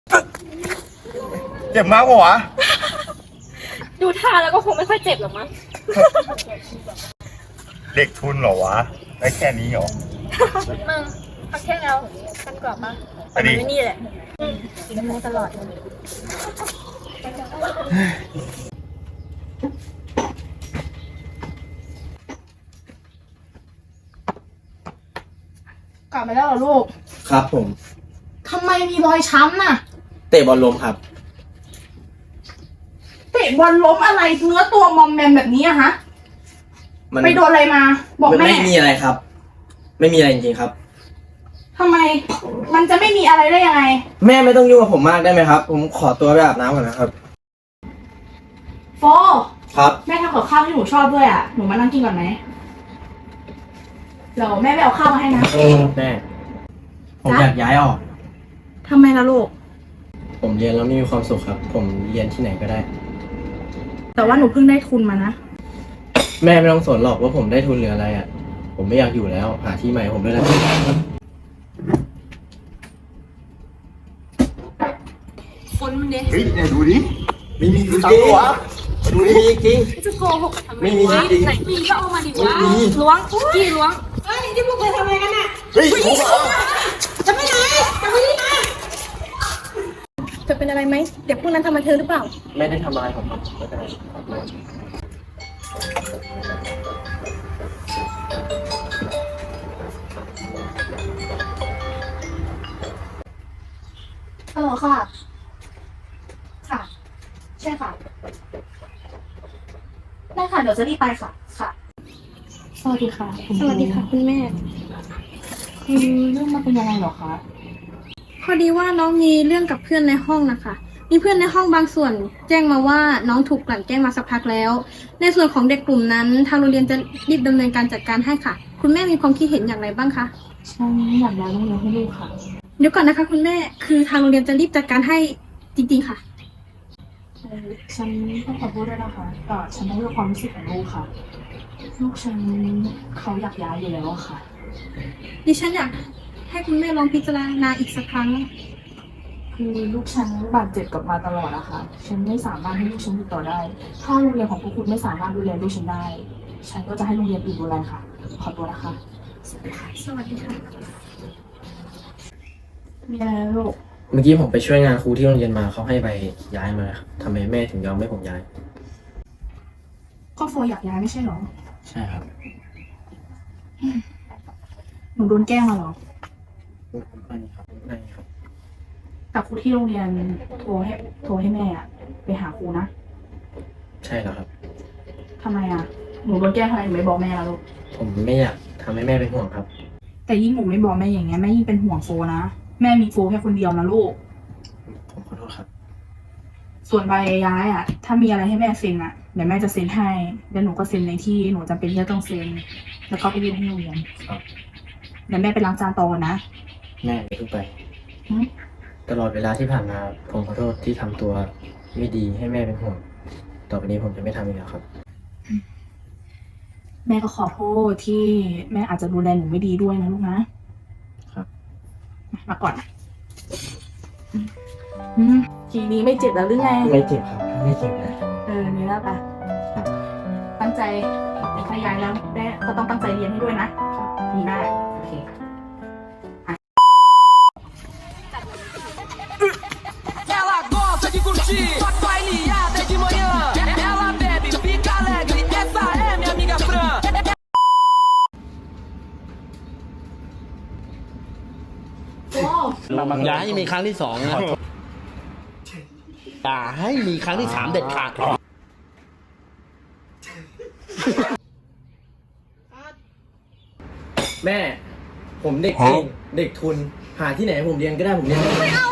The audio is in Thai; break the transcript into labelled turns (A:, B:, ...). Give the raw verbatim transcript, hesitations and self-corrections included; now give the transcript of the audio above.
A: เจ็บมากวะ
B: ดูท่าแล้วก็คงไม่ค่อยเจ็บหรอกมั้ง
A: เด็กทุนเหรอวะ ได้แค่นี้เหรอ
B: มึงพักแค่แล้วกันกรอบปะ
A: อันนี้
B: มันไม่นี่แหละกินน้ำมูตลอดเลย
C: กลับมาแล้วเหรอลูก
D: ครับผม
C: ทำไมมีรอยช้ำน่ะ
D: เตะบอลล้มครับ
C: เตะบอลล้มอะไรเนื้อตัวมอมแมมแบบนี้อะฮะ
D: มัน
C: ไปโดนอะไรมา บอก
D: มัน
C: แม่
D: ไม่มีอะไรครับ ไม่มีอะไรจริงๆครับ
C: ทำไม มันจะไม่มีอะไรได้ยังไง
D: แม่ไม่ต้องยุ่งกับผมมากได้ไหมครับ ผมขอตัวไปอาบน้ำก่อนนะครับ
C: โฟ
D: ครับ
C: แม่ทำกับข้าวที่หนูชอบด้วยอ่ะ หนูมานั่งกินก่อนไหมเดี๋ยวแม่ไปเอาข้าวมาให้นะ
D: แม่ ผมอยากย้ายออก
C: ทำไมล่ะลูก
D: ผมเรียนแล้วไม่มีความสุขครับ ผมเรียนที่ไหนก็ได้
C: แต่ว่าหนูเพิ่งได้ทุนมานะ
D: แม่ไม่ต้องสนหรอกว่าผมได้ทุนหรืออะไรอ่ะ ผมไม่อยากอยู่แล้ว หาที่ใหม่ผมด้วยนะ
B: คนมันเนี่ย
A: เฮ้ยเนี่ยดูดิ
D: ไม่มีจริง
A: ตังค์วะดู
D: ไม่
A: ดิ
D: มีจริง
B: จะโกหกทำไม
D: ไม่มี
B: วะ
D: จริง
B: ไหนมีก็เอามาดิวะ
D: ไม่มี
B: ล้วงกี่ล้วงเฮ้ยที่พวกเธอทำอะไรกันน่ะ
A: เฮ้ยผมเหรอ
B: จะไปไหนจะไปที่ไหนเธอเป็นอะไรไหมเด็กพวกนั้นทำมาเธอหรือเปล่า
D: ไม่ได้ทำอะไรผมครับไม่ได้
C: ฮัลโหลค่ะ ค่ะ ใช่ค่ะ ได้ค่ะ เดี๋ยวจะรีบไปค่ะ ค่ะ สวัสดีค่ะคุณ
B: สวัสดีค่ะคุณแม่
C: คือเรื่องมันเป็นยังไงเหรอคะ
B: พอดีว่าน้องมีเรื่องกับเพื่อนในห้องนะคะ มีเพื่อนในห้องบางส่วน แจ้งมาว่าน้องถูกกลั่นแกล้งมาสักพักแล้ว ในส่วนของเด็กกลุ่มนั้น ทางโรงเรียนจะรีบดำเนินการจัดการให้ค่ะ คุณแม่มีความคิดเห็นอย่างไรบ้างคะ
C: ฉันอยากย้ายโรงเรียนให้ลูกค่ะ
B: เดี๋ยวก่อนนะคะคุณแม่ คือทางโรงเรียนจะรีบจัดการให้จริงๆค่ะ
C: เอ่อฉันต้องขอโทษด้วยนะคะแต่ฉันต้องเลือกความรู้สึกของลูกค่ะ ลูกฉันเขาอยากย้ายอยู่แล้วอะค่ะ
B: ดิฉันอยากให้คุณแม่ลองพิจารณาอีกสักครั้ง
C: คือลูกฉันบาดเจ็บกับมาตลอดอะค่ะ ฉันไม่สามารถให้ลูกฉันอยู่ต่อได้ ถ้าโรงเรียนของพวกคุณไม่สามารถดูแลลูกฉันได้ ฉันก็จะให้โรงเรียนอื่นดูแลค่ะ ขอตัวนะคะ สวัสดีค่ะ
B: สวัสดีค่ะ
C: มีอะไรนะลูก
D: เมื่อกี้ผมไปช่วยงานครูที่โรงเรียนมาเขาให้ไปย้ายมาครับทำไมแม่ถึงยอมให้ผมย้าย
C: ก็โฟอยากย้ายไม่ใช่เหรอ
D: ใช่ครับ
C: หนูโดนแกล้งมาเหรอ
D: ไม่ครับไม่ครับ
C: แต่ครูที่โรงเรียนโทรให้โทรให้แม่อะไปหาครูนะ
D: ใช่แล้วครับ
C: ทำไมอะหนูโดนแกล้งทำไมหนูไม่บอกแม่ล่ะลูก
D: ผมไม่อยากทำให้แม่เป็นห่วงครับ
C: แต่ยิ่งหนูไม่บอกแม่อย่างเงี้ยแม่ยิ่งเป็นห่วงโฟนะ แม่มีโฟแค่คนเดียวนะลูก
D: ผมขอโทษครับ
C: ส่วนใบย้ายอะถ้ามีอะไรให้แม่เซ็นอะเดี๋ยวแม่จะเซ็นให้แล้วหนูก็เซ็นในที่หนูจำเป็นที่จะต้องเซ็นแล้วก็ไปยื่นให้โรงเรียน
D: ครับ
C: เดี๋ยวแม่ไปล้างจานต่อนะ
D: แม่อย่าเพิ่งไป
C: หึ
D: ตลอดเวลาที่ผ่านมาผมขอโทษที่ทำตัวไม่ดีให้แม่เป็นห่วง ต่อไปนี้ผมจะไม่ทำอีกแล้วครับ
C: แม่ก็ขอโทษที่แม่อาจจะดูแลหนูไม่ดีด้วยนะลูกนะครับ มาก่อนนะอืมทีนี้ไม่เจ็บแล้วหรือไง
D: ไม่เจ็บครับ ไม่เจ็บนะ
C: เออนี่แล้วปะ
D: ครับ
C: ตั้งใจถ้าย้ายแล้วได้ก็ต้องตั้งใจเรียนให้ด้วยนะดีมากโอเค
E: Ela gosta de curtir, bailada de manhã. Ela bebe, fica alegre. Essa é minha amiga Fran.
F: อย่าให้มีครั้งที่สองนะอย่าให้มีครั้งที่สามเด็ดขาด
D: แม่ ผมเด็กเองเด็กทุน หาที่ไหนให้ผมเรียนก็ได้ผมเรียนไม่ได้
B: ไม่เอา